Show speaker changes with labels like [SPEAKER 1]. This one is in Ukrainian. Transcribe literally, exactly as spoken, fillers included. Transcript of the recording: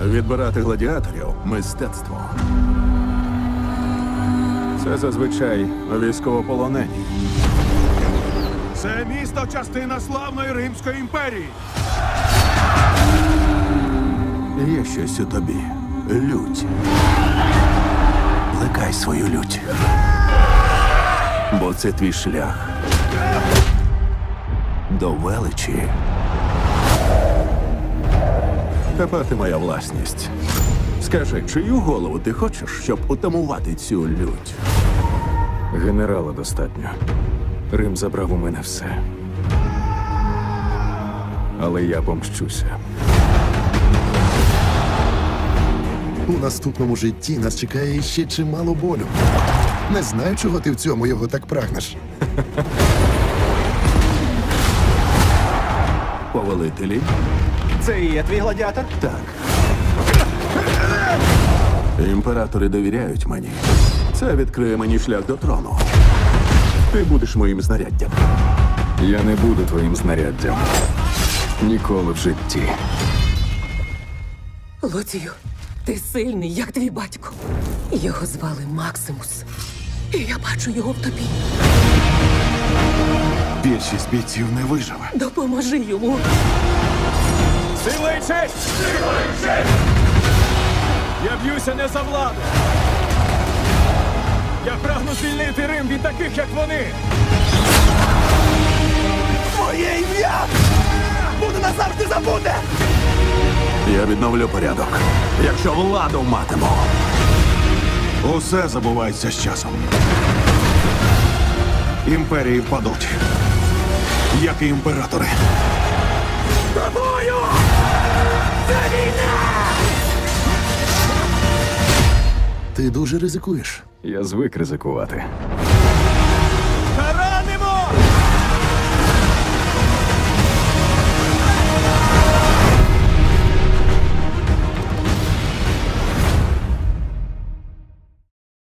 [SPEAKER 1] Відбирати гладіаторів – мистецтво. Це зазвичай військовополонені.
[SPEAKER 2] Це місто – частина славної Римської імперії.
[SPEAKER 1] Є щось у тобі. Лють. Плекай свою лють. Бо це твій шлях до величі. Тепер ти моя власність. Скажи, чию голову ти хочеш, щоб утамувати цю лють?
[SPEAKER 3] Генерала достатньо. Рим забрав у мене все. Але я помщуся.
[SPEAKER 4] У наступному житті нас чекає ще чимало болю. Не знаю, чого ти в цьому його так прагнеш.
[SPEAKER 1] Повелителі?
[SPEAKER 5] Це і є твій гладіатор?
[SPEAKER 1] Так. Імператори довіряють мені. Це відкриє мені шлях до трону. Ти будеш моїм знаряддям.
[SPEAKER 3] Я не буду твоїм знаряддям. Ніколи в житті.
[SPEAKER 6] Лоцію, ти сильний, як твій батько. Його звали Максимус. І я бачу його в тобі.
[SPEAKER 2] Більшість бійців не виживе.
[SPEAKER 6] Допоможи йому.
[SPEAKER 2] Сила і честь! Сила і честь! Я б'юся не за владу. Я прагну звільнити Рим від таких, як вони.
[SPEAKER 5] Моє ім'я буде назавжди забуде!
[SPEAKER 1] Я відновлю порядок, якщо владу матиму.
[SPEAKER 2] Усе забувається з часом. Імперії впадуть, як і імператори.
[SPEAKER 5] Тобою! Це війна!
[SPEAKER 4] Ти дуже ризикуєш.
[SPEAKER 3] Я звик ризикувати.